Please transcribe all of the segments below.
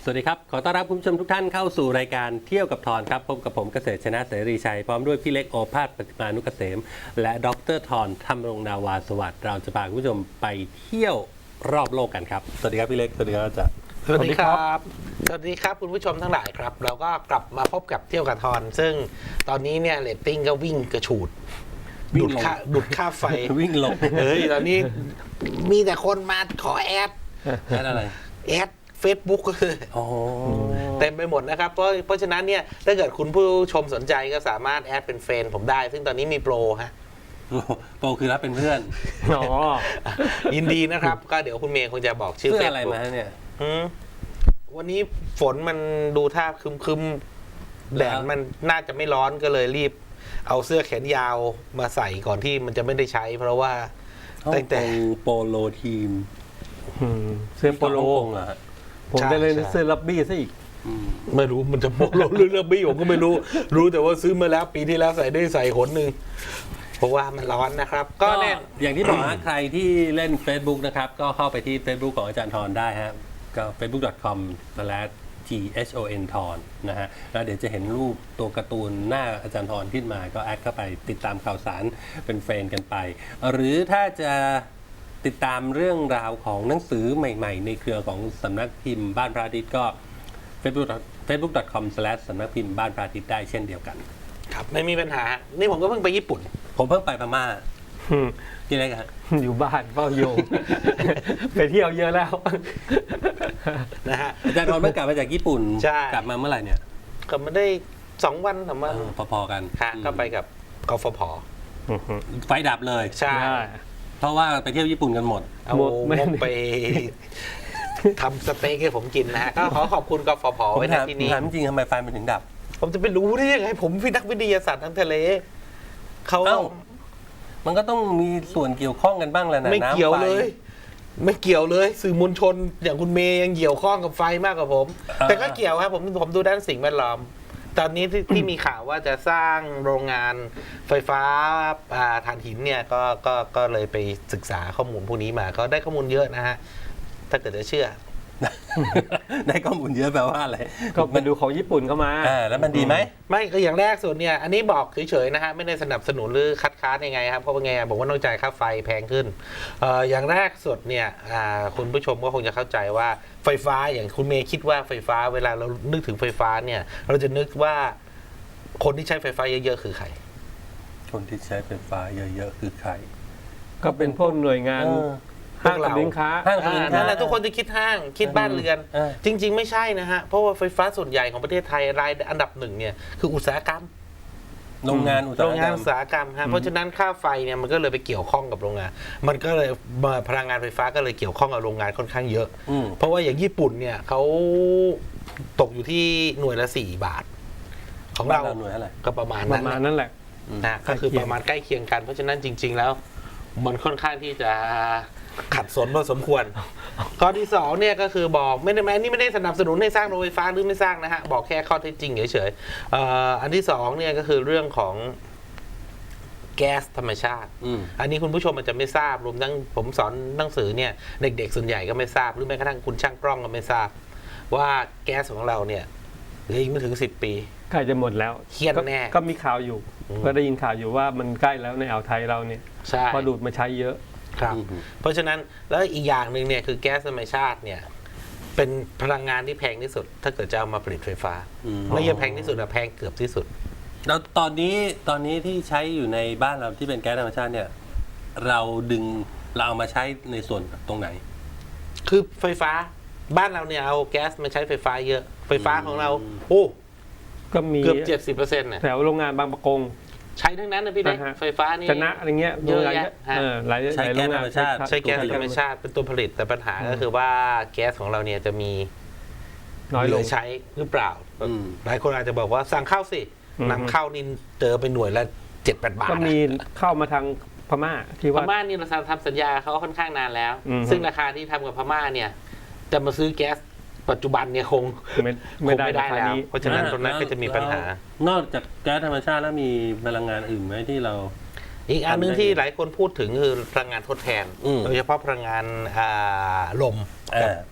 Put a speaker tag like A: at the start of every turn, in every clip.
A: สวัสดีครับขอต้อนรับคุณผู้ชมทุกท่านเข้าสู่รายการเที่ยวกับทอนครับพบกับผมเกษตรชนะเสรีชัยพร้อมด้วยพี่เล็กโอภาสปฏิมานุกเกษมและดรทอนธรรมรงนาวาสวัสดิ์เราจะพาคุณผู้ชมไปเที่ยวรอบโลกกันครับสวัสดีครับพี่เล็กสวัสดีครับอาจารย์
B: สวัสดีครับสวัสดีครับคุณผู้ชมทั้งหลายครับเราก็กลับมาพบกับเที่ยวกับทอนซึ่งตอนนี้เนี่ยเรตติ้งก็วิ่งกระฉูดดูดค่าไฟ
A: วิ่งลง
B: ตอนนี้มีแต่คนมาขอแอด
A: อะไร
B: แอด Facebook ก็คือ
A: โอ้
B: เต็มไปหมดนะครับเพราะฉะนั้นเนี่ยถ้าเกิดคุณผู้ชมสนใจก็สามารถแอดเป็นเฟรนด์ผมได้ซึ่งตอนนี้มีโปรฮะ
A: โปรคือรับเป็นเพื่อน
C: อ๋อ
B: ยินดีนะครับก็เดี๋ยวคุณเมย์คงจะบอกชื่อ
A: เพื่อ
B: เฟซ
A: อะไร
B: บุ๊ก
A: มาเนี่ย
B: วันนี้ฝนมันดูท่าคึมแดดมันน่าจะไม่ร้อนก็เลยรีบ เอาเสื้อแขนยาวมาใส่ก่อนที่มันจะไม่ได้ใช้ เพราะว่าตั้งแต่
A: โปโลทีม
C: เสื้อโปโล
A: ฮ่องกงเหรอฮะ
C: ผมจะเลยเสื้อลับบี้ซะอีก
B: ไม่รู้มันจะโปโลหรือเรบี้ผมก็ไม่รู้ รู้แต่ว่าซื้อมาแล้วปีที่แล้วใส่ได้ใส่หนหนึ่งเพราะว่ามันร้อนนะครับ ก็แน่
A: อย่างที่บอกฮะใครที่เล่น Facebook นะครับก็เข้าไปที่ Facebook ของอาจารย์ทรได้ฮะก็ facebook.com/thon ทอนนะฮะแล้วเดี๋ยวจะเห็นรูปตัวการ์ตูนหน้าอาจารย์ทรขึ้นมาก็แอดเข้าไปติดตามข่าวสารเป็นเฟรนด์กันไป หรือถ้าจะติดตามเรื่องราวของหนังสือใหม่ๆ ในเครือของสำนักพิมพ์บ้านพระอาทิตย์ก็ facebook.com/ สำนักพิมพ์บ้านพระอาทิตย์ได้เช่นเดียวกัน
B: ครับไม่มีปัญหา นี่ผมก็เพิ่งไปญี่ปุ่น
A: ผมเพิ่งไปพม่ากี่ไรกันฮะ
C: อยู่บ้านเฝ้าโยง ไปเที่ยวเยอะแล้ว
B: นะฮะ
A: อาจารย์ทรเพิ่งกลับมาจากญี่ปุ่น
B: ใช่
A: กลับมาเมื่อไหร่เนี่ย
B: ก็มาได้2 วัน3 วัน
A: พอๆกัน
B: ค่ะก็ไปกับกฟผ
A: ไฟดับเลย
B: ใช่
A: เพราะว่าไปเที่ยวญี่ปุ่นกันหมด
B: เอา
C: หมดไม่
B: งบไปทำสเต็กให้ผมกินนะฮะก็ขอขอบคุณกฟผ
A: ผม
B: ไว้ในที่นี้
A: ถามจริงๆทำไมไฟมันถึงดับ
B: ผมจะไปรู้ได้ยังไงผมเป็นนักวิทยาศาสตร์ทางทะเลเขา
A: เอ้า มันก็ต้องมีส่วนเกี่ยวข้องกันบ้างแหละนะ
B: ไม่เกี่ยว
A: น้ำไฟ
B: เลย ไม่เกี่ยวเลย สื่อมวลชน อย่างคุณเมย์ยังเกี่ยวข้องกับไฟมากกว่าผม แต่ก็เกี่ยวครับผมดูด้านสิ่งแวดล้อม ตอนนี้ที่มีข่าวว่าจะสร้างโรงงานไฟฟ้าถ่านหินเนี่ยก็เลยไปศึกษาข้อมูลพวกนี้มาก็ได้ข้อมูลเยอะนะฮะถ้าเกิดจะเชื่อ
A: ได้ข้อมูลเยอะแปลว่าอะไร
C: ก็ไปดูของญี่ปุ่นเข้ามา
A: แล้วมันดีไหม
B: ไม่ก็อย่างแรกส่วนเนี่ยอันนี้บอกเฉยๆนะฮะไม่ได้สนับสนุนหรือคัดค้านยังไงครับเพราะว่าไงบอกว่าต้องจ่ายค่าไฟแพงขึ้นอย่างแรกสุดเนี่ยคุณผู้ชมก็คงจะเข้าใจว่าไฟฟ้าอย่างคุณเมย์คิดว่าไฟฟ้าเวลาเรานึกถึงไฟฟ้าเนี่ยเราจะนึกว่าคนที่ใช้ไฟฟ้าเยอะๆคือใคร
A: คนที่ใช้ไฟฟ้าเยอะๆคือใคร
C: ก็เป็นพวกหน่วยงาน ห้างสรรพสินค้า
A: ห้างสรรพสินค้า
B: นั่นแหละทุกคนจะคิดห้างคิดบ้านเรือน จริง ๆ ไม่ใช่นะฮะเพราะว่าไฟฟ้าส่วนใหญ่ของประเทศไทยรายอันดับ1เนี่ยคืออุตสาหกรรม
A: โรงงานอุตสา
B: โร
A: ห
B: ง
A: ก
B: งาร น
A: รม
B: อุตสาหกรรมฮะเพราะฉะนั้นค่าไฟเนี่ยมันก็เลยไปเกี่ยวข้องกับโรงงาน มันก็เลยพลังงานไฟฟ้าก็เลยเกี่ยวข้องกับโรงงานค่อนข้างเยอะ เพราะว่าอย่างญี่ปุ่นเนี่ยเขาตกอยู่ที่หน่วยละ4 บาท ของเรา
A: หน่วยอะไร
B: ก็ประมาณ
C: ป
B: นั้
C: ระ
B: น
C: มาณนั้นแหละ
B: นะก็คือประมาณใกล้เคียงกัน เพราะฉะนั้นจริง ๆ แล้ว มันค่อนข้างที่จะขัดสนพอสมควร ข้อที่2เนี่ยก็คือบอกไม่ได้แม้นี่ไม่ได้สนับสนุนให้สร้างโรงไฟฟ้าหรือไม่สร้างนะฮะบอกแค่ข้อเท็จจริงเฉยๆอันที่2เนี่ยก็คือเรื่องของแก๊สธรรมชาติ อันนี้คุณผู้ชมอาจจะไม่ทราบรวมทั้งผมสอนหนังสือเนี่ยเด็กๆส่วนใหญ่ก็ไม่ทราบหรือแม้กระทั่งคุณช่างกล้องก็ไม่ทราบ ว่าแก๊สของเราเนี่ยเหลืออีกไม่ถึง10 ปี
C: ใกล้จะหมดแล้ว
B: เครียดแน่
C: ก็มีข่าวอยู่ก็ได้ยินข่าวอยู่ว่ามันใกล้แล้วในอ่าวไทยเราเนี่ย
B: ใช่
C: พอดูดมาใช้เยอะ
B: ครับเพราะฉะนั้นแล้วอีกอย่างหนึ่งเนี่ยคือแก๊สธรรมชาติเนี่ยเป็นพลังงานที่แพงที่สุด ถ้าเกิดจะเอามาผลิตไฟฟ้าไม่ใช่แพงที่สุดแต่แพงเกือบที่สุด
A: แล้วตอนนี้ที่ใช้อยู่ในบ้านเราที่เป็นแก๊สธรรมชาติเนี่ยเราเอามาใช้ในส่วนตรงไหน
B: คือไฟฟ้าบ้านเราเนี่ยเอาแก๊สมาใช้ไฟฟ้าเยอะไฟฟ้าของเราโอ้
C: ก็มี
B: เกือบ 70%เนี่ย
C: แถวโรงงานบางประกง
B: ใช้ทั้งนั้นนะพี่เล็ก
C: นะฮะ
B: ไฟฟ้านี่
C: ชนะอะไรเงี้ย
B: เยอะ
C: โรงงาน
B: แยะฮะ
C: หลาย
A: ใช้
C: โรงงาน
A: แก๊สธรรมชาติ
B: ใช้แก๊สธรรมชาติเป็นตัวผลิตแต่ปัญหาก็คือว่าแก๊สของเราเนี่ยจะมี
C: น้อย
B: เห
C: ล
B: ลื
C: ง
B: อใช้หรือเปล่า หลายคนอาจจะบอกว่าสั่งเข้าสินำเข้านี่เจอไปหน่วยละ 7-8 บาท
C: ก็มีเข้ามาทางพม่าที่
B: พ
C: ว่า
B: ม่านี่เราทำสัญญาเขาค่อนข้างนานแล้ว
C: อืม
B: ซึ่งราคาที่ทำกับพม่าเนี่ย จะมาซื้อแก๊สปัจจุบันเนี่ยคง
C: ไม่ได้
B: คง
C: ราคา
B: แล้ว
C: นี้
B: เพราะฉะนั้นตรงนั้นก็จะมีปัญหา
A: นอกจากแก๊สธรรมชาติแล้วมีพลังงานอื่นไหมที่เรา
B: อีกอันหนึงที่หลายคนพูดถึงคือพลังงานทดแทน โดยเฉพาะพลังงานลมกับ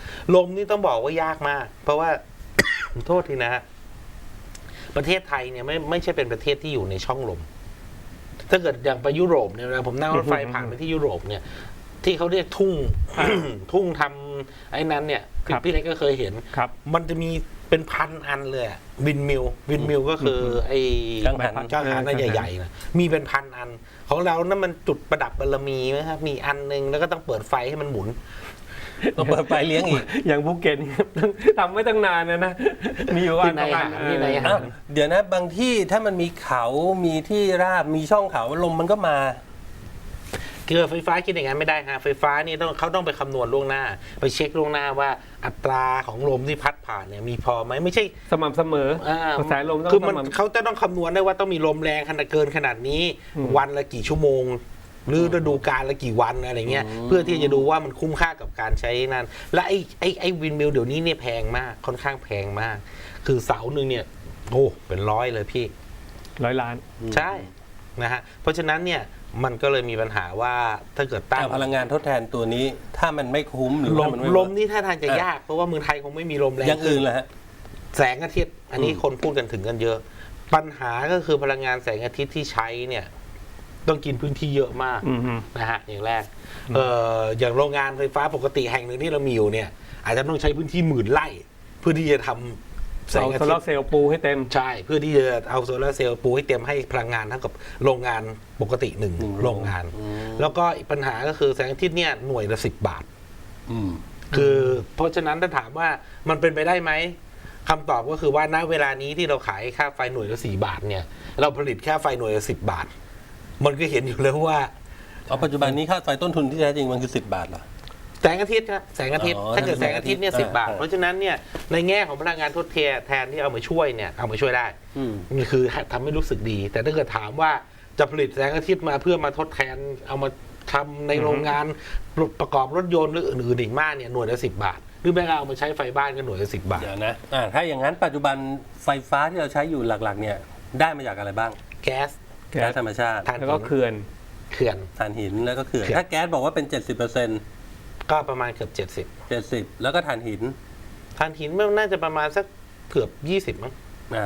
B: ลมนี่ต้องบอกว่ายากมาก เพราะว่า โทษทีนะฮะประเทศไทยเนี่ยไม่ใช่เป็นประเทศที่อยู่ในช่องลม ถ้าเกิดอย่างไปยุโรปเนี่ยเวลาผมนั่งรถไฟผ่านไปที่ยุโรปเนี่ย ที่เขาเรียกทุ่ง ทุ่งทำไอ้นั้นเนี่ย
C: ครับ
B: พี่เล็กก็เคยเห็น
C: ครับ
B: มันจะมีเป็นพันอันเลยอะวินมิลก็คือไอ้
A: กังหัน
B: จ้างหันอันใหญ่ๆนะมีเป็นพันอัน ของเรานั่นมันจุดประดับบารมีไหมครับมีอันนึงแล้วก็ต้องเปิดไฟให้มันหมุน
A: ต้องเปิดไฟเลี้ยงอีก
C: อย่างภูเก็ตนี่ต้องทำไม่ตั้งนานนะมีอยู่วัน
B: ที่ไหน
C: ประมาณ
B: หาที่ไหนหา
A: อ้าวเดี๋ยวนะบางที่ถ้ามันมีเขามีที่ราบมีช่องเขาลมมันก็มา
B: คือไฟฟ้าคิดอย่างนั้นไม่ได้ฮะไฟฟ้านี่เขาต้องไปคำนวณล่วงหน้า ไปเช็คล่วงหน้าว่าอัตราของลมที่พัดผ่านเนี่ยมีพอไหมไม่ใช่
C: สม่ำเสมอ
B: อ่าก
C: ระแสลมต้อง
B: คือมัน
C: สม่ำ
B: เขาจะต้องคำนวณได้ว่าต้องมีลมแรงขนาดเกินขนาดนี้
C: อืม
B: วันละกี่ชั่วโมง หรือฤดูกาลละกี่วันอะไรเงี้ย
A: อืม
B: เพื่อที่จะดูว่ามันคุ้มค่ากับการใช้นั่นและไอ้วินมิลเดี๋ยวนี้เนี่ยแพงมากค่อนข้างแพงมาก คือเสาหนึ่งเนี่ยโอ้เป็นร้อยเลยพี่
C: 100 ล้าน
B: ใช่นะฮะเพราะฉะนั้นเนี่ยมันก็เลยมีปัญหาว่าถ้าเกิดตั้ง
A: พลังงานทดแทนตัวนี้ ถ้ามันไม่คุ้มหรือ
B: ล
A: ถ้าม มันไม่
B: ลมนี่ถ้าทางจะยากเพราะว่าเมืองไทยคงไม่มีลมแรง
A: อย่างอื่นเหรอฮะ
B: แสงอาทิตย์ อันนี้คนพูดกันถึงกันเยอะ ปัญหาก็คือพลังงานแสงอาทิตย์ที่ใช้เนี่ย ต้องกินพื้นที่เยอะมาก
C: อืมฮึ
B: นะฮะอย่างแรกอย่างโรงงานไฟฟ้าปกติแห่งหนึ่งที่เรามีอยู่เนี่ย อาจจะต้องใช้พื้นที่10,000 ไร่ เพื่อที่จะทำแสง
C: เอา
B: อา
C: โซ
B: ทิ
C: ลา
B: ต
C: ร์
B: ย์
C: เซลล์ปูให้เต็ม
B: ใช่เพื่อที่จะเอาโซลาร์เซลล์ปูให้เต็มให้พลังงานเท่ากับโรงงานปกติหนึ่ง
A: หนึ่ง
B: โรงงาน แล้วก็อีกปัญหาก็คือแสงอาทิตย์เนี่ยหน่วยละ10 บาท
A: อืม
B: คือเพราะฉะนั้นถ้าถามว่ามันเป็นไปได้ไหมคำตอบก็คือว่าณเวลานี้ที่เราขายค่าไฟหน่วยละ4 บาทเนี่ย เราผลิตค่าไฟหน่วยละ10 บาท มันก็เห็นอยู่แล้วว่า
A: เอาปัจจุบันนี้ค่าไฟต้นทุนที่แท้จริงมันคือ10 บาทเหรอ
B: แสงอาทิตย์ครับแสงอาทิตย์
A: อ๋อ
B: ถ้าเกิดแสงอาทิตย์เนี่ย
A: ถ้า
B: สิ
A: เป็นแสงอาทิตย์
B: บาท
A: อ่า
B: เพราะฉะนั้นเนี่ยในแง่ของพลังงานทดแทนที่เอามาช่วยเนี่ยเอามาช่วยได้
A: อืม
B: มันคือทำให้รู้สึกดี แต่ถ้าเกิดถามว่าจะผลิตแสงอาทิตย์มาเพื่อมาทดแทนเอามาทำในโรงงานประกอบรถยนต์หรืออื่นๆอีกมากเนี่ยหน่วยละ10 บาท หรือแม้กระทั่งเอามาใช้ไฟบ้านก็หน่วยละ10 บาท
A: เดี๋ยวนะถ้าอย่างนั้นปัจจุบันไฟฟ้าที่เราใช้อยู่หลักๆ เนี่ยได้มาจากอะไรบ้าง
B: แก๊ส
C: แก๊
A: แก๊
C: ส
A: สธรรมชาติ
B: ถ่าน
C: แล้วก็
B: หิน
C: เขื่อน
B: เขื่อน
A: ถ่านหินแล้วก็เขื่อน
B: เขื่อน
A: ถ้าแก๊สบอกว่าเป็น
B: ก็ประมาณเกือบ
A: 70%แล้วก็ถ่านหิน
B: 70ถ่านหินมันน่าจะประมาณสักเกือบ20มั้ง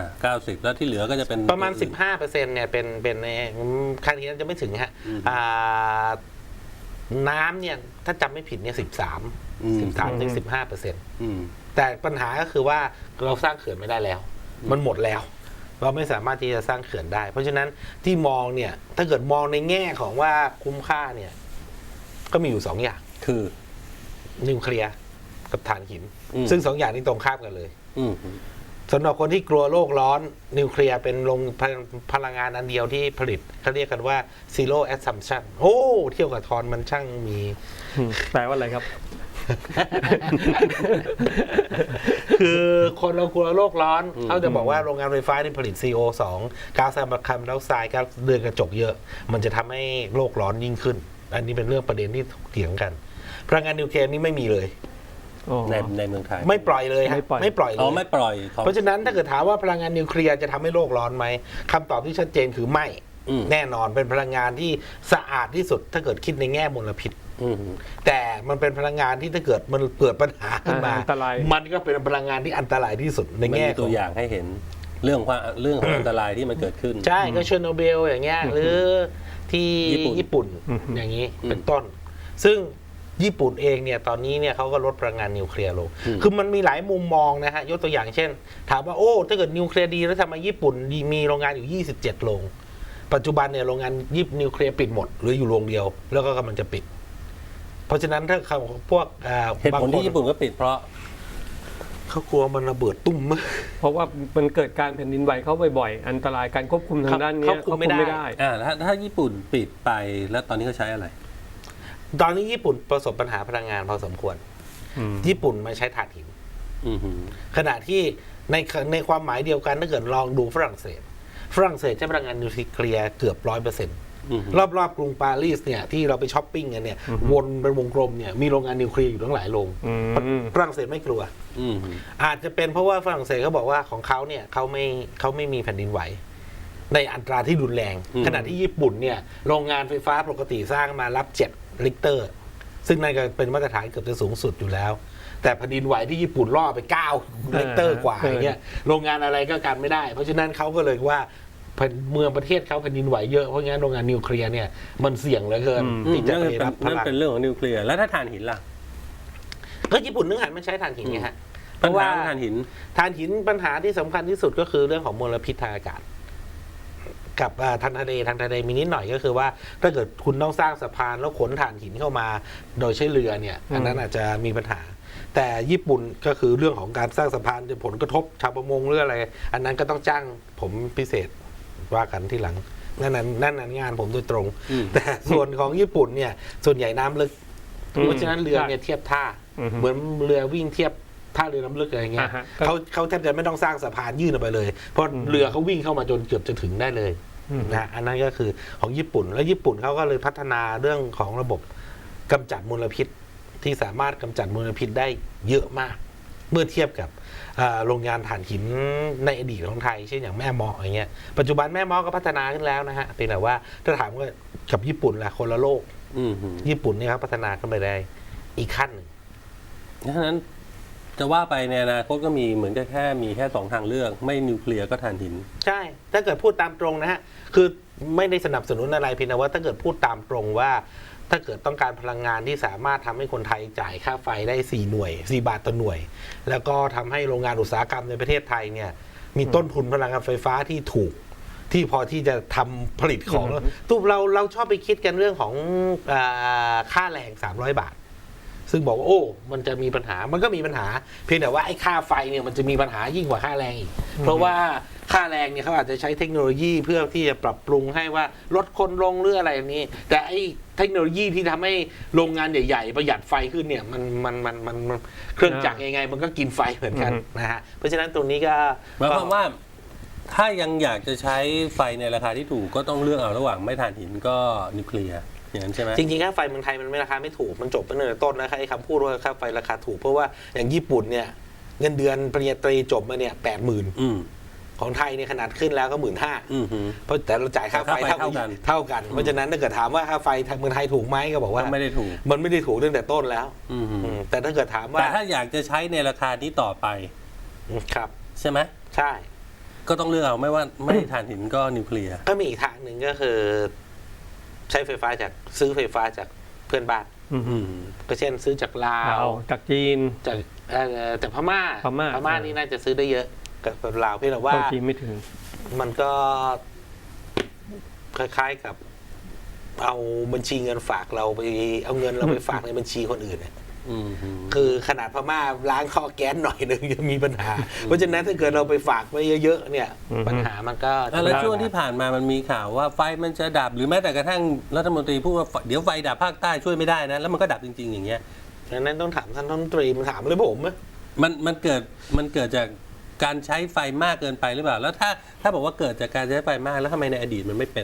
A: 90แล้วที่เหลือก็จะเป็น
B: ประมาณ 15%เนี่ยเป็นในถ่านหินจะไม่ถึงฮะ
A: อืม
B: น้ำเนี่ยถ้าจำไม่ผิดเนี่ย13ถึง15%
A: อืม
B: แต่ปัญหาก็คือว่าเราสร้างเขื่อนไม่ได้แล้ว มันหมดแล้ว เราไม่สามารถที่จะสร้างเขื่อนได้ เพราะฉะนั้นที่มองเนี่ย ถ้าเกิดมองในแง่ของว่าคุ้มค่าเนี่ย ก็มีอยู่2 อย่าง
A: คือ
B: นิวเคลียร์กับถ่านหิน
A: อืม
B: ซึ่ง2 อย่างนี้ตรงข้ามกันเลย
A: อืม
B: สำหรับคนที่กลัวโลกร้อน นิวเคลียร์เป็นพลังงานอันเดียวที่ผลิตเขาเรียกกันว่า zero assumption โอ้เที่ยวกับทอนมันช่างมี
C: แปลว่าอะไรครับ
B: คือคนเรากลัวโลกร้อนเขาจะบอกว่าโรงงานไฟฟ้าที่ผลิต CO2 ก๊าซคาร์บอนไดออกไซด์ก๊าซเรือนกระจกเยอะ มันจะทำให้โลกร้อนยิ่งขึ้น อันนี้เป็นเรื่องประเด็นที่ถกเถียงกันพลังงานนิวเคลียร์นี่ไม่มีเลย
C: อ๋อ
A: ในเมืองไทย
B: ไม่ปล่อยเลยฮะ
C: ไม่ปล่อย
B: ไม่ปล่อยเล
A: อ๋อย ไม่ปล่อยของ
B: เพราะฉะนั้นถ้าเกิดถามว่าพลังงานนิวเคลียร์จะทำให้โลกร้อนไหมคำตอบที่ชัดเจนคือไม่
A: อืม
B: แน่นอนเป็นพลังงานที่สะอาดที่สุด ถ้าเกิดคิดในแง่มลพิษ
A: อืม
B: แต่มันเป็นพลังงานที่ถ้าเกิดมันเกิดปัญหาขึ้นมา
C: อันตราย
B: มันก็เป็นพลังงานที่อันตรายที่สุดใน
A: มัน
B: แง่
A: มี
B: ข
A: ตั
B: อ
A: ว
B: ง
A: อย่างให้เห็นเรื่องของอันตรายที่มันเกิดขึ้น
B: ใช่ก็เชอร์โนเบิลอย่างเงี้ยหรือที่
A: ญี่ปุ่น
C: อืม
B: อย่างนี้
A: อืม
B: เป็นต้น ซึ่งญี่ปุ่นเองเนี่ยตอนนี้เนี่ยเขาก็ลดพลังงานนิวเคลียร์ลง
A: อืม
B: คือมันมีหลายมุมมองนะฮะยกตัวอย่างเช่น ถามว่าโอ้ถ้าเกิดนิวเคลียร์ดีแล้วทำไมญี่ปุ่นมีโรงงานอยู่27 โรงปัจจุบันเนี่ยโรงงานนิวเคลียร์ปิดหมดเหรืออยู่โรงเดียว แล้วก็กำลังจะปิด เพราะฉะนั้นถ้าเขาพวก
A: เหตุผลที่ญี่ปุ่นก็ปิดเพราะ
B: เขากลัวมันระเบิดตุ้ม
C: เพราะว่ามันเกิดการแผ่นดินไหวเข้าบ่อยๆ อันตรายการควบคุมทางด้านเนี้ย
B: ควบคุมไม่ได้
A: ถ้าญี่ปุ่นปิดไปแล้วตอนนี้เขาใช้อะไร
B: ตอนนี้ญี่ปุ่นประสบปัญหาพลังงานพอสมควร
C: อืม
B: ญี่ปุ่นมาใช้ถ่านหิน
A: อือหือ
B: ขณะที่ในความหมายเดียวกันถ้าเกิดลองดูฝรั่งเศสใช้พลังงานนิวเคลียร์เกือบ 100%
A: อือหือ
B: รอบๆกรุงปารีสเนี่ยที่เราไปช้อปปิ้งกันเนี่ยวนเป็นวงกลมเนี่ยมีโรงงานนิวเคลียร์อยู่ตั้งหลายโรง
C: อืม
B: ฝรั่งเศสไม่กลัว
A: อือหือ
B: อาจจะเป็นเพราะว่าฝรั่งเศสเขาบอกว่าของเขาเนี่ยเขาไม่มีแผ่นดินไหว ในอัตราที่รุนแรง ขณะที่ญี่ปุ่นเนี่ยโรงงานไฟฟ้าปกติสร้างมารับ7 ลิกเตอร์ซึ่งนั่นก็เป็นมาตรฐานเกือบจะสูงสุดอยู่แล้ว แต่แผ่นดินไหวที่ญี่ปุ่นล่อไป9 เรกเตอร์กว่าอย่างเงี้ยโรงงานอะไรก็กันไม่ได้ เพราะฉะนั้นเขาก็เลยว่าเมืองประเทศเขาแผ่นดินไหวเยอะเพราะงั้นโรงงานนิวเคลียร์เนี่ยมันเสี่ยงเหลือเกินที่จะไปรับพ
A: นั่น
B: ลัง
A: เป็นเรื่องของนิวเคลียร์แล้วถ้าถ่านหินล่ะ
B: ก็ญี่ปุ่นนึกหันมันใช้ถ่านหินไงฮะเพ
A: ปัญ
B: ราะว่า
A: หาของถ่านหิน
B: ถ่านหินปัญหาที่สำคัญที่สุดก็คือเรื่องของมลพิษทางอากาศ กับทางทะเลมีนิดหน่อยก็คือว่าถ้าเกิดคุณต้องสร้างสะพานแล้วขนถ่านหินเข้ามาโดยใช้เรือเนี่ยอันนั้นอาจจะมีปัญหา แต่ญี่ปุ่นก็คือเรื่องของการสร้างสะพานจะผลกระทบชาวประมงหรืออะไรอันนั้นก็ต้องจ้างผมพิเศษว่ากันที่หลังนั่นงานผมโดยตรง แต่ส่วนของญี่ปุ่นเนี่ยส่วนใหญ่น้ำลึกเพราะฉะนั้นเรือเนี่ยเทียบท่าเหมือนเรือวิ่งเทียบท่าเรือน้ำลึกอะไรเงี้ยเขาแทบจะไม่ต้องสร้างสะพานยื่นออกไปเลยเพราะเรือเขาวิ่งเข้ามาจนเกือบจะถึงได้เลยนะอันนั้นก็คือของญี่ปุ่นแล้วญี่ปุ่นเขาก็เลยพัฒนาเรื่องของระบบกำจัดมลพิษที่สามารถกำจัดมลพิษได้เยอะมากเมื่อเทียบกับโรงงานถ่านหินในอดีตของไทยเช่นอย่างแม่เมาะอย่างเงี้ยปัจจุบันแม่เมาะก็พัฒนาขึ้นแล้วนะฮะเพียงแต่ว่าถ้าถามว่ากับญี่ปุ่นล่ะคนละโลกญี่ปุ่นเนี่ยครับพัฒนาขึ้นไปได้อีกขั้นหนึ่ง
A: ดังนั้นจะว่าไปในอนาคตก็มีเหมือนกับมีแค่2 ทางเลือกไม่นิวเคลียร์ก็ถ่านหิน
B: ใช่ถ้าเกิดพูดตามตรงนะฮะคือไม่ได้สนับสนุนอะไรเพียงแต่ว่าถ้าเกิดพูดตามตรงว่าถ้าเกิดต้องการพลังงานที่สามารถทำให้คนไทยจ่ายค่าไฟได้4 บาทต่อหน่วยแล้วก็ทำให้โรงงานอุตสาหกรรมในประเทศไทยเนี่ยมีต้นทุนพลังงานไฟฟ้าที่ถูกที่พอที่จะทำผลิตของตู้เราชอบไปคิดกันเรื่องของค่าแรง300 บาทซึ่งบอกว่าโอ้มันจะมีปัญหามันก็มีปัญหาเพียงแต่ว่าไอ้ค่าไฟเนี่ยมันจะมีปัญหายิ่งกว่าค่าแรงอีกเพราะว่าค่าแรงเนี่ยเขาอาจจะใช้เทคโนโลยีเพื่อที่จะปรับปรุงให้ว่าลดคนลงหรืออะไรแบบนี้แต่ไอ้เทคโนโลยีที่ทำให้โรงงานใหญ่ๆประหยัดไฟขึ้นเนี่ยมันเครื่องจักรยังไงมันก็กินไฟเหมือนกันนะฮะเพราะฉะนั้นตรงนี้ก็
A: หมายความว่าถ้ายังอยากจะใช้ไฟในราคาที่ถูกก็ต้องเลือกเอาระหว่างไม่ถ่านหินก็นิวเคลียร์อย่างนั้นใช่ไหม
B: จริงๆค่าไฟเมืองไทยมันไม่ราคาไม่ถูกมันจบไปตั้งแต่ต้นนะครับไอ้คำพูดว่าค่าไฟราคาถูกเพราะว่าอย่างญี่ปุ่นเนี่ยเงินเดือนปริญญาตรีจบมาเนี่ย80,000ของไทยเนี่ยขนาดขึ้นแล้วก็15,000เพราะแต่เราจ่ายค่าไฟเท่ากันเพราะฉะนั้นถ้าเกิดถามว่าค่าไฟเมืองไทยถูกไหมก็บอกว่า
A: ไม่ได้ถูก
B: มันไม่ได้ถูกตั้งแต่ต้นแล้วแต่ถ้าเกิดถามว่า
A: แต่ถ้าอยากจะใช้ในราคานี้ต่อไป
B: ครับ
A: ใช่ไหม
B: ใช่
A: ก็ต้องเลือกเอาไม่ว่าไม่ถ่านหินก็นิวเคลียร์
B: ก็มีอีกทางหนึ่งก็คือใช้ไฟฟ้าซื้อไฟฟ้าจากเพื่อนบ้านก็เช่นซื้อจากลาว
C: จากจีน
B: จากพม่านี่น่าจะซื้อได้เยอะกับลาวเพียงแต่ว่า
C: จีนไม่ถึง
B: มันก็คล้ายๆกับเอาบัญชีเงินฝากเราไปเอาเงินเราไปฝากในบัญชีคนอื่นเนี่ยคือขนาดพม่าล้างข้อแก๊สหน่อยนึงยังมีปัญหาเพราะฉะนั้นถ้าเกิดเราไปฝากไว้เยอะๆเนี่ยปัญหามันก็
A: แล้วช่วงที่ผ่านมามันมีข่าวว่าไฟมันจะดับหรือแม้แต่กระทั่งรัฐมนตรีพูดว่าเดี๋ยวไฟดับภาคใต้ช่วยไม่ได้นะแล้วมันก็ดับจริงๆอย่างเงี้ย
B: ดังนั้นต้องถามท่านรัฐมนตรีมันถามเลยผม
A: มันเกิดจากการใช้ไฟมากเกินไปหรือเปล่าแล้วถ้าบอกว่าเกิดจากการใช้ไฟมากแล้วทำไมในอดีตมันไม่เป็น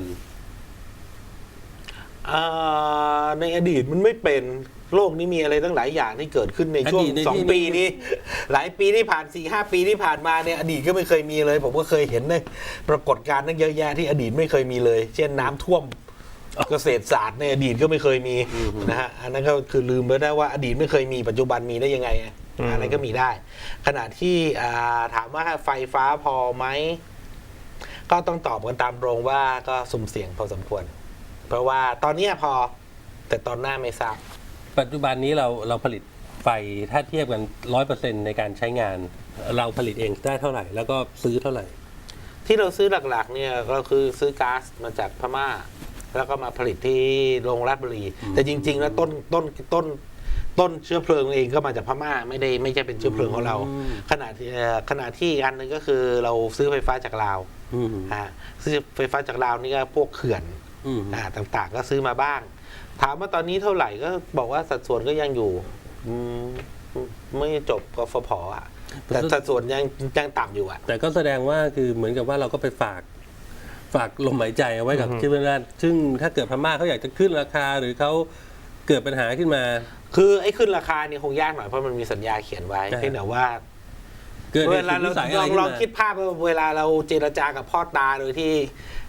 B: ในอดีตมันไม่เป็นโลกนี้มีอะไรตั้งหลายอย่างที่เกิดขึ้นในช่วง2 ปีนี้หลายปีที่ผ่าน 4-5 ปีที่ผ่านมาเนี่ยอดีตก็ไม่เคยมีเลยผมก็เคยเห็นในปรากฏการณ์นั่นเยอะแยะที่อดีตไม่เคยมีเลยเช่นน้ำท่วมเกษตรศาสตร์ในอดีตก็ไม่เคยมีนะฮะอันนั้นก็คือลืมไปได้ว่าอดีตไม่เคยมีปัจจุบันมีได้ยังไงอะไรก็มีได้ขณะที่ถามว่าไฟฟ้าพอไหมก็ต้องตอบกันตามตรงว่าก็สุ่มเสี่ยงพอสมควรเพราะว่าตอนนี้พอแต่ตอนหน้าไม่ทราบ
A: ปัจจุบันนี้เราผลิตไฟถ้าเทียบกัน 100% ในการใช้งานเราผลิตเองได้เท่าไหร่แล้วก็ซื้อเท่าไหร่
B: ที่เราซื้อหลักๆเนี่ยก็คือซื้อก๊าซมาจากพม่าแล้วก็มาผลิตที่โรงราชบุรีแต่จริงๆแล้วต้นเชื้อเพลิงเองก็มาจากพม่าไม่ใช่เป็นเชื้อเพลิงของเราขณะที่อันนึงก็คือเราซื้อไฟฟ้าจากลาวซื้อไฟฟ้าจากลาวนี่ก็พวกเขื่อนต่างๆก็ซื้อมาบ้างถามว่าตอนนี้เท่าไหร่ก็บอกว่าสัดส่วนก็ยังอยู่ไม่จบกฟผ.แต่สัดส่วนยังต่ำอยู่
A: แต่ก็แสดงว่าคือเหมือนกับว่าเราก็ไปฝากลมหายใจเอาไว้กับที่เพื่อนบ้านซึ่งถ้าเกิดพม่าเขาอยากจะขึ้นราคาหรือเขาเกิดปัญหาขึ้นมา
B: คือไอ้ขึ้นราคาเนี่ยคงยากหน่อยเพราะมันมีสัญญาเขียนไว้เพียงแต่ว่าเวลาเราลองคิดภาพว่าเวลาเราเจรจากับพ่อตาโดยที่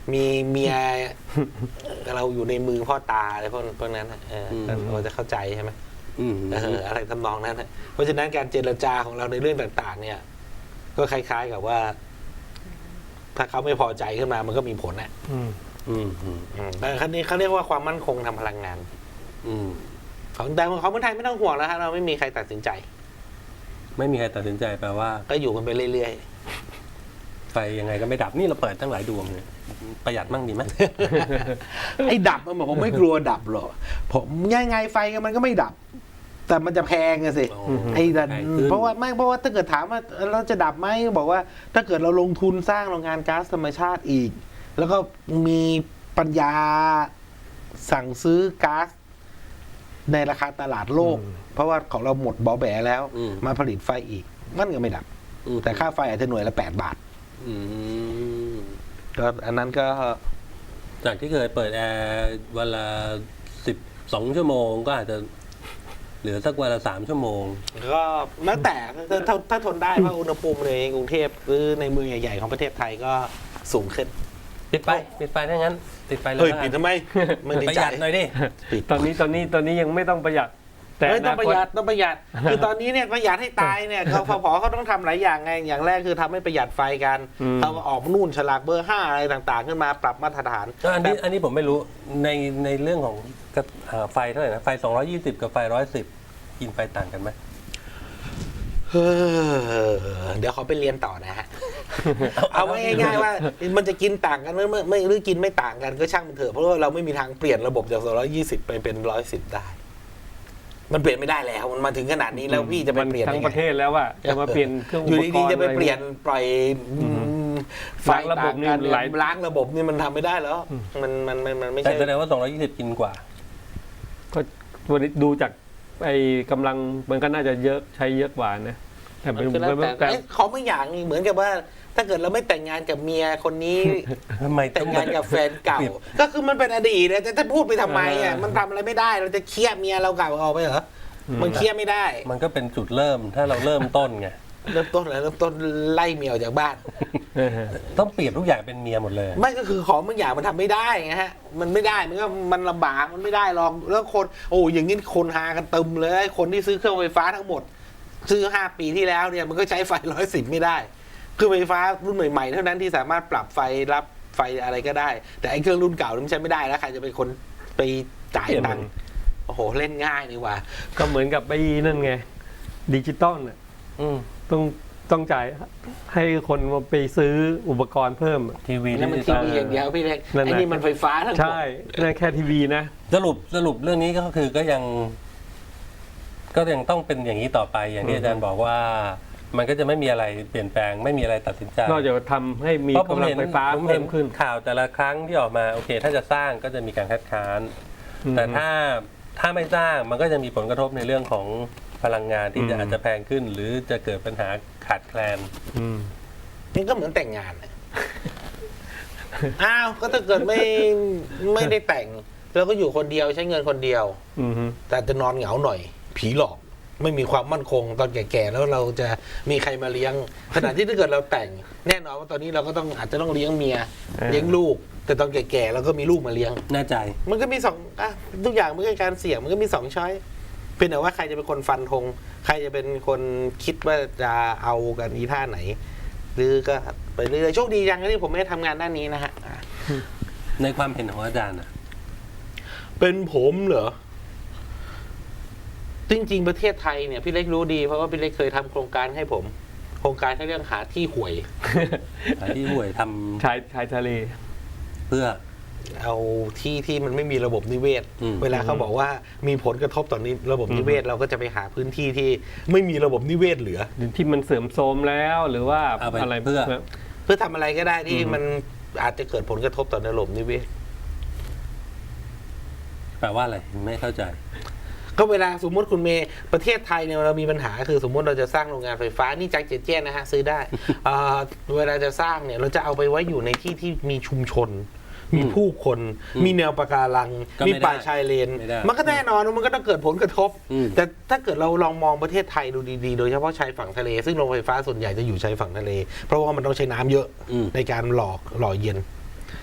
B: มีเมีย เราอยู่ในมือพ่อตาอะไรพวกนั้นน่ะเราจะเข้าใจใช่ไหม อะไรทำนองนั้นนะเพราะฉะนั้นการเจรจาของเราในเรื่องต่างๆ เนี่ย ก็คล้ายๆกับว่า ถ้าเขาไม่พอใจขึ้นมามันก็มีผลนะแต่ครั้นี้เขาเรียกว่าความมั่นคงทางพลังงานของแต่ของเมืองไทยไม่ต้องห่วงแล้วฮะเราไม่มีใครตัดสินใจ
A: ไม่มีใครตัดสินใจแปลว่า
B: ก็อยู่กันไปเรื่อย
A: ไฟยังไงก็ไม่ดับนี่เราเปิดตั้งหลายดวงเลยประหยัดมั่งดีไหม
B: ๆ ไอ้ดับมันผมไม่กลัวดับหรอกผมยังไงไฟมันก็ไม่ดับ แต่มันจะแพงอะสิ ไอ้ดันเพราะว่าถ้าเกิดถามว่าเราจะดับไหมบอกว่า ถ้าเกิดเราลงทุนสร้างโรงงานก๊าซธรรมชาติอีก แล้วก็มีปัญญาสั่งซื้อก๊าซในราคาตลาดโลก เพราะว่าของเราหมดบ่อแบแล้ว มาผลิตไฟอีกมันก็ไม่ดับ แต่ค่าไฟอาจจะหน่วยละ8 บาทก็อันนั้นก็
A: จากที่เคยเปิดแอร์วันละ12 ชั่วโมงก็อาจจะเหลือสักวันละ3 ชั่วโมง
B: ก็แล้วแต่ถ้าทนได้เพราะอุณหภูมิในกรุงเทพหรือในเมืองใหญ่ๆของประเทศไทยก็สูงขึ้น
A: ปิดไฟถ้างั้นปิดไฟเลย
B: ปิดทำไมไม่ได้
A: ประหยัดหน่อยดิ
C: ตอนนี้ยังไม่ต้องประหยัดแต่
B: ต้องประหยัดคือตอนนี้เนี่ยประหยัดให้ตายเนี่ยเขาพอเขาต้องทำหลายอย่างไงอย่างแรกคือทำให้ประหยัดไฟกันเขาออกนู่นฉลากเบอร์ 5อะไรต่างๆขึ้นมาปรับมาตรฐาน
A: อันนี้ผมไม่รู้ในเรื่องของไฟเท่าไหร่นะไฟ220กับไฟ110กินไฟต่างกันไหม
B: เดี๋ยวเขาไปเรียนต่อนะฮะ เอาไว้ง่ายๆว่ามันจะกินต่างกันหรือกินไม่ต่างกันก็ช่างมันเถอะเพราะว่าเราไม่มีทางเปลี่ยนระบบจาก220ไปเป็น110ได้มันเปลี่ยนไม่ได้แล้วมันมาถึงขนาดนี้แล้วพี่จะไปเปลี่ยน
C: ทั้งประเทศแล้วว่าจะมาเปลี่ยนเครื่องอุปกรณ์
B: อยู่ดีๆจะไปเปลี่ยนปล่อยไฟ
C: ระบบนี่
B: ล้างระบบนี่มันทำไม่ได้แล้วมันไม่ใช่
A: แสดงว่า220กินกว่า
C: ก็ดูจากไอ้กำลังมันก็น่าจะเยอะใช้เยอะกว่านะแต่
B: เขาไม่อย่างนี้เหมือนกับว่าถ้าเกิดเราไม่แต่งงานกับเมียคนนี้แต่งงานกับแฟนเก่าก็คือมันเป็นอดีตนะแต่ถ้าพูดไปทำไมอ่ะมันทำอะไรไม่ได้เราจะเคลียร์เมียเราเก่าออกไปเหรอมันเคลียร์ไม่ได้
A: มันก็เป็นจุดเริ่มถ้าเราเริ่มต้นไง
B: เริ่มต้นไล่เมียออกจากบ้าน
A: ต้องเปลี่ยนทุกอย่างเป็นเมียหมดเลย
B: ไม่ก็คือของบางอย่างมันทำไม่ได้ไงฮะมันไม่ได้มันลำบากมันไม่ได้หรอกแล้วคนอย่างนี้คนหากันตึมเลยคนที่ซื้อเครื่องไฟฟ้าทั้งหมดซื้อ5 ปีที่แล้วเนี่ยมันก็ใช้ไฟ110ไม่ได้เครื่องไฟฟ้ารุ่นใหม่ๆเท่านั้นที่สามารถปรับไฟรับไฟอะไรก็ได้แต่ไอ้เครื่องรุ่นเก่ามันใช้ไม่ได้แล้วใครจะเป็นคนไปจ่ายตังค์โอ้โหเล่นง่ายนี่ว่า
C: ก็เหมือนกับไอ้นั่นไงดิจิตอลน่ะต้องจ่ายให้คนมาไปซื้ออุปกรณ์เพิ่ม
A: ทีวี
B: นั่นมันทีวีอย่างเดียวพี่เล็กไอ้นี่มันไฟฟ้าทั้งหมด
C: ใช่นั่นแค่ทีวีนะ
A: สรุปเรื่องนี้ก็คือก็ยังต้องเป็นอย่างนี้ต่อไปอย่างที่อาจารย์บอกว่ามันก็จะไม่มีอะไรเปลี่ยนแปลงไม่มีอะไรตัดสินใจ
C: นอกจากทำให้มีกำลังไฟฟ้าเพิ่มขึ้น
A: ข่าวแต่ละครั้งที่ออกมาโอเคถ้าจะสร้างก็จะมีการคัดค้านแต่ถ้าไม่สร้างมันก็จะมีผลกระทบในเรื่องของพลังงานที่อาจจะแพงขึ้นหรือจะเกิดปัญหาขาดแคลน
B: นี่ก็เหมือนแต่งงานอ้าวก็ถ้าเกิดไม่ได้แต่งเราก็อยู่คนเดียวใช้เงินคนเดียวแต่จะนอนเหงาหน่อยผีหลอกไม่มีความมั่นคงตอนแก่ๆแล้วเราจะมีใครมาเลี้ยงขณะที่ถ้าเกิดเราแต่งแน่นอนว่าตอนนี้เราก็อาจจะต้องเลี้ยงเมียเลี้ยงลูกแต่ตอนแก่ๆเราก็มีลูกมาเลี้ยง
A: แน่ใจ
B: มันก็มีทุกอย่างมันก็การเสี่ยงมันก็มี2 ช้อยเพียงแต่ว่าใครจะเป็นคนฟันธงใครจะเป็นคนคิดว่าจะเอากันอีท่าไหนหรือก็ไปเรื่อยๆโชคดียังที่ผมไม่ได้ทำงานด้านนี้นะฮะ
A: ในความเห็นของอาจารย์
B: เป็นผมเหรอจริงๆประเทศไทยเนี่ยพี่เล็กรู้ดีเพราะว่าพี่เล็กเคยทำโครงการให้ผมโครงการเรื่องหาที่ห่วย
A: ทำ
C: ชายทะเล
A: เพื่อ
B: เอาที่มันไม่มีระบบนิเวศเวลาเขาบอกว่ามีผลกระทบต่อระบบนิเวศเราก็จะไปหาพื้นที่ที่ไม่มีระบบนิเวศเหลือ
C: ที่มันเสื่อมโทรมแล้วหรือว่าอะไร
A: เพื่
B: อทำอะไรก็ได้ที่มันอาจจะเกิดผลกระทบต่อระบบนิเวศ
A: แปลว่าอะไรไม่เข้าใจ
B: ก็เวลาสมมติคุณเมย์ประเทศไทยเนี่ยเรามีปัญหาคือสมมติเราจะสร้างโรงงานไฟฟ้านี่จากเจ๊นะฮะซื้อได้เวลาจะสร้างเนี่ยเราจะเอาไปไว้อยู่ในที่ที่มีชุมชนมีผู้คนมีแนวปะการังมีป่าชายเลนมันก็แน่นอนมันก็ต้องเกิดผลกระทบแต่ถ้าเกิดเราลองมองประเทศไทยดูดีๆโดยเฉพาะชายฝั่งทะเลซึ่งโรงไฟฟ้าส่วนใหญ่จะอยู่ชายฝั่งทะเลเพราะว่ามันต้องใช้น้ำเยอะในการหล่อเย็น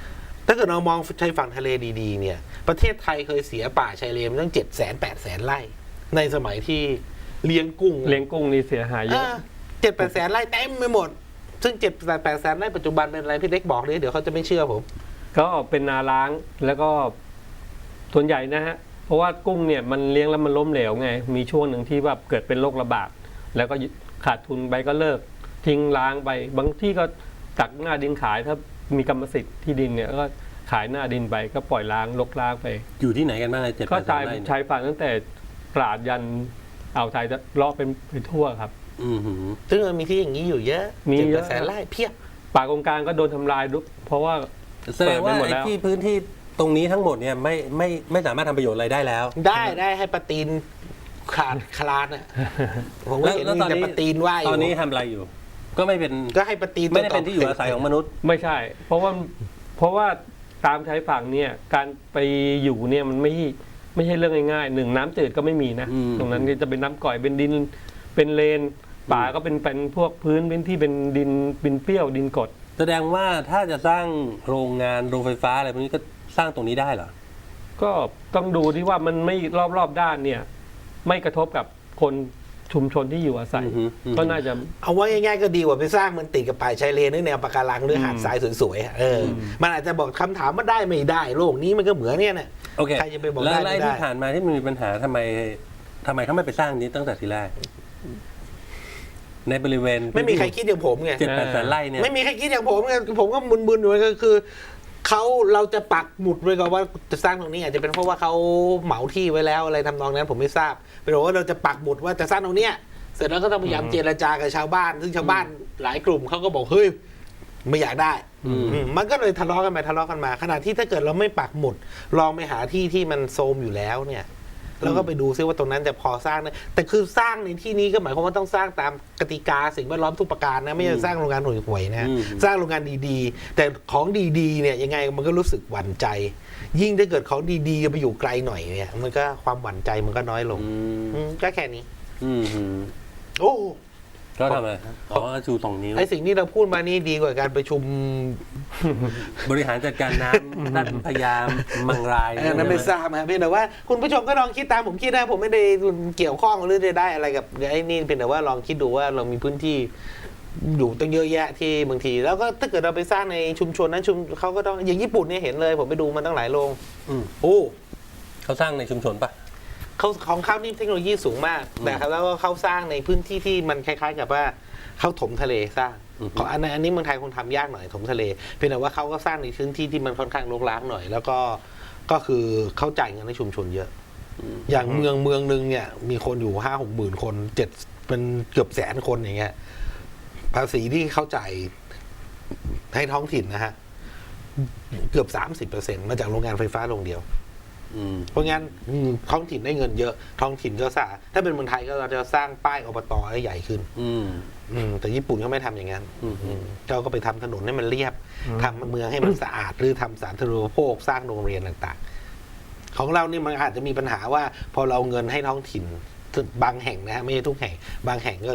B: ถ้าเกิดเรามองชายฝั่งทะเลดีๆเนี่ยประเทศไทยเคยเสียป่าชายเลนตั้ง700,000-800,000 ไร่ในสมัยที่เลี้ยงกุ้ง
C: เลี้ยงกุ้งนี่เสียหายเยอะ
B: 7-8 แสนไร่เต็มไปหมด ซึ่ง7-8 แสนไร่ปัจจุบันเป็นอะไรพี่เล็กบอกเลยเดี๋ยวเขาจะไม่เชื่อผม
C: ก็เป็นนาล้างแล้วก็ส่วนใหญ่นะฮะเพราะว่ากุ้งเนี่ยมันเลี้ยงแล้วมันล้มเหลวไงมีช่วงหนึ่งที่แบบเกิดเป็นโรคระบาดแล้วก็ขาดทุนไปก็เลิกทิ้งล้างไปบางที่ก็ตักหน้าดินขายถ้ามีกรรมสิทธิ์ที่ดินเนี่ยก็ขายหน้าดินไปก็ปล่อยล้างลกล้างไป
A: อยู่ที่ไหนกันบ้าง7-8
C: ก็
A: แสนไร่
C: ชายฝั่งตั้งแต่ตราดยันอ่าวไทยจะเลาะเป็นไปทั่วครับ
A: อือหือ
B: ซึ่งมันมีที่อย่างนี้อยู่เยอะ
C: มีเยอะ
B: 7-8 แสนไร่เพียบ
C: ป่ากงกลางก็โดนทำลายด้วยเพราะว่า
A: แสดงว่า
C: เปิดไปหมด
A: ไอ้
C: แล้ว
A: ที่พื้นที่ตรงนี้ทั้งหมดเนี่ยไม่สามารถทำประโยชน์อะไรได้แล้ว
B: ได้ให้ปลาตีนขาดคลานอ่ะผมก็เห็นมีแต่ปลาตีนว่ายอ
A: ตอนนี้
B: ยู่
A: ทำอะไรอยู่ ก็ไม่เป็น
B: ก็ให้ปลาตีน
A: ไม่ได้เป็นที่อยู่อาศัยของมนุษย์
C: ไม่ใช่ เพราะว่าตามชายฝั่งเนี่ยการไปอยู่เนี่ยมันไม่ใช่เรื่องง่ายๆหนึ่งน้ำจืดก็ไม่มีนะ
A: อืม
C: ตรงนั้นก็จะเป็นน้ำก่อยเป็นดินเป็นเลนป่าก็เป็นพวกพื้นที่เป็นดินเปรี้ยวดินกรด
A: แสดงว่าถ้าจะสร้างโรงงานโรงไฟฟ้าอะไรพวกนี้ก็สร้างตรงนี้ได้เหรอ
C: ก็ต้องดูที่ว่ามันไม่รอบด้านเนี่ย ไม่กระทบกับคนชุมชนที่อยู่อาศัย
A: อือฮึอือฮึ
C: ก็น่าจะ
B: เอาไว้ง่ายๆก็ดีกว่าไปสร้างมันติดกับป่าชายเลนหรือแนวปะการังหรือหาดทรายสวยๆอะมันอาจจะบอกคำถามว่าได้ไม่ได้โลกนี้มันก็เหมือนเนี่ยนะ
A: โอเค
B: ใครจะไปบอก
A: แล้ว
B: ได้ไม่
A: ไอ้
B: ได้
A: ที่ผ่านมาที่มันมีปัญหาทำไมเขาไม่ไปสร้างนี้ตั้งแต่ทีแรก ในบริเวณ
B: ไม่มีใครคิดอย่างผมไง
A: 7-8 แสนไร่เนี่ย
B: ไม่มีใครคิดอย่างผมไงผมก็มึนๆอยู่ก็คือเราจะปักหมุดไว้ก่อนว่าจะสร้างตรงนี้อาจจะเป็นเพราะว่าเขาเหมาที่ไว้แล้วอะไรทำนองนั้นผมไม่ทราบเป็นว่าเราจะปักหมุดว่าจะสร้างตรงเนี้ยเสร็จแล้วก็ต้องพยายามเจรจากับชาวบ้าน ซึ่งชาวบ้านหลายกลุ่มเขาก็บอกเฮ้ยไม่อยากได้มันก็เลยทะเลาะกันไปทะเลาะกันมาขณะที่ถ้าเกิดเราไม่ปักหมุดลองไปหาที่ที่มันโทรมอยู่แล้วเนี่ยแล้วก็ไปดูซิว่าตรงนั้นจะพอสร้างได้แต่คือสร้างในที่นี้ก็หมายความว่าต้องสร้างตามกติกาสิ่งแวดล้อมทุกประการนะไม่ใช่สร้างโรงงานห่วยๆนะ สร้างโรงงานดีๆ แต่ของดีๆเนี่ยยังไงมันก็รู้สึกหวั่นใจ ยิ่งถ้าเกิดของดีๆไปอยู่ไกลหน่อยเนี่ยมันก็ความหวั่นใจมันก็น้อยลงก็แค่นี้
A: อืม
B: โอ้
A: ก็ทำอะไรครับอ๋อชู2 นิ้ว
B: ไอสิ่งที่เราพูดมานี่ดีกว่าการประชุม
A: บริหารจัดการน้ำด้านพยายามมังราย
B: นั้นไม่ทราบครับเพียงแต่ว่าคุณผู้ชมก็ลองคิดตามผมคิดนะผมไม่ได้เกี่ยวข้องหรือได้อะไรกับไอ้นี่เพียงแต่ว่าลองคิดดูว่าเรามีพื้นที่อยู่ตั้งเยอะแยะที่บางทีแล้วก็ถ้าเกิดเราไปสร้างในชุมชนนั้นเขาก็ต้องอย่างญี่ปุ่นเนี่ยเห็นเลยผมไปดูมันตั้งหลายโรงโอ้
A: เขาสร้างในชุมชนปะ
B: เขาของเขานี่เทคโนโลยีสูงมากแต่ครับแล้วก็เขาสร้างในพื้นที่ที่มันคล้ายๆกับว่าเขาถมทะเลสร้างของอันนี้เมืองไทยคงทำยากหน่อยถมทะเลเพียงแต่ว่าเขาก็สร้างในพื้นที่ที่มันค่อนข้างรกร้างหน่อย แล้วก็คือเขาจ่ายเงินให้ชุมชนเยอะอย่างเมืองนึงเนี่ยมีคนอยู่5-6 หมื่นคนเป็นเกือบ100,000 คนอย่างเงี้ยภาษีที่เขาจ่ายให้ท้องถิ่นนะฮะเกือบ 30% มาจากโรงงานไฟฟ้าโรงเดียวเพราะงั้นท้องถิ่นได้เงินเยอะท้องถิ่นก็สร้างถ้าเป็นเมืองไทยก็เราจะสร้างป้ายอบตให้ใหญ่ขึ้นแต่ญี่ปุ่นเขาไม่ทำอย่างนั้นเขาก็ไปทำถนนให้มันเรียบทำเมืองให้มันสะอาดหรือทำสาธารณูปโภคสร้างโรงเรียนต่างๆของเรานี่มันอาจจะมีปัญหาว่าพอเราเงินให้ท้องถิ่นบางแห่งนะฮะไม่ใช่ทุกแห่งบางแห่งก็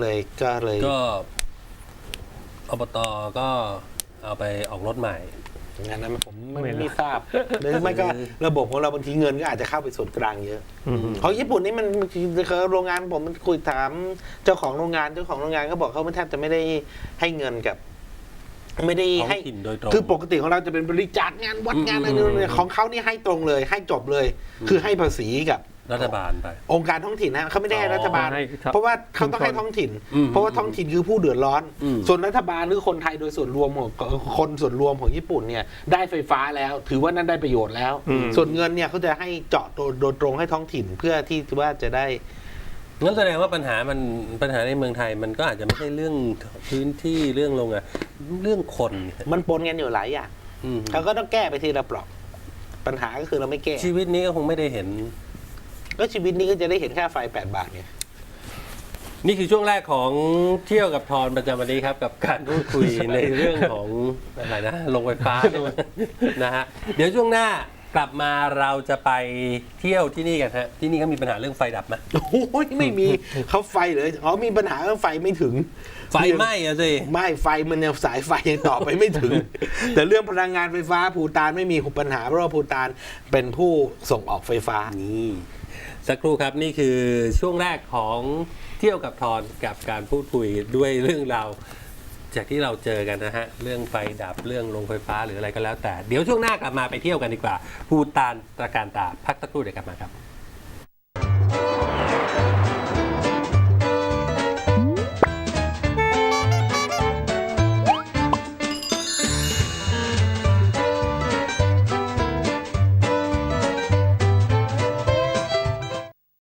A: อบตก็เอาไปออกรถใหม่
B: งานนั้นผมไม่ทราบหรือไม่ก็ระบบของเราบางทีเงินก็อาจจะเข้าไปส่วนกลางเยอะของญี่ปุ่นนี่มันโรงงานผมมันคุยถามเจ้าของโรงงานก็บอกเขาแทบจะไม่ได้ให้เงินกับไม่ได้ให้คือปกติของเราจะเป็นบริจาคงานวัดงานอะไรเนี่ยของเขานี่ให้ตรงเลยให้จบเลย คือให้ภาษีกับ
A: รัฐบาลไป
B: องค์การท้องถิ่นนะเขาไม่ได้ให้รัฐบาลเพราะว่าเขาต้องให้ท้องถิ่นเพราะว่าท้องถิ่นคือผู้เดือดร้อนส่วนรัฐบาลหรือคนไทยโดยส่วนรวมของคนส่วนรวมของญี่ปุ่นเนี่ยได้ไฟฟ้าแล้วถือว่านั่นได้ประโยชน์แล้วส่วนเงินเนี่ยเขาจะให้เจาะโดยตรงให้ท้องถิ่นเพื่อที่ว่าจะได้
A: งั้นแสดงว่าปัญหาในเมืองไทยมันก็อาจจะไม่ใช่เรื่องพื้นที่เรื่องโรงงานเรื่องคน
B: มันปนกันอยู่หลายอย่างเขาก็ต้องแก้ไปทีละเปราะปัญหาก็คือเราไม่แก้
A: ชีวิตนี้ก็คงไม่ได้เห็น
B: ก็ชีวิตนี้ก็จะได้เห็นค่าไฟ8 บาทเนี่ย
A: นี่คือช่วงแรกของเที่ยวกับทอนประจำวันนี้ครับกับการพูดคุยในเรื่องของอะไรนะโรงไฟฟ้านะฮะเดี๋ยวช่วงหน้ากลับมาเราจะไปเที่ยวที่นี่กันฮะที่นี่เขามีปัญหาเรื่องไฟดับไหม
B: โอ้ยไม่มีเขาไฟเลยอ๋อมีปัญหาเรื่องไฟไม่ถึง
A: ไฟไหม้อะสิ
B: ไม่ไฟมันยังสายไฟยังต่อไปไม่ถึง แต่เรื่องพลังงานไฟฟ้าภูฏานไม่มีปัญหาเพราะว่าภูฏานเป็นผู้ส่งออกไฟฟ้า
A: นี่สักครู่ครับนี่คือช่วงแรกของเที่ยวกับทอนกับการพูดคุยด้วยเรื่องราวจากที่เราเจอกันนะฮะเรื่องไฟดับเรื่องโรงไฟฟ้าหรืออะไรก็แล้วแต่เดี๋ยวช่วงหน้ากลับมาไปเที่ยวกันดีกว่าภูฏานตระการตาพักสักครู่เดี๋ยวกลับมาครับ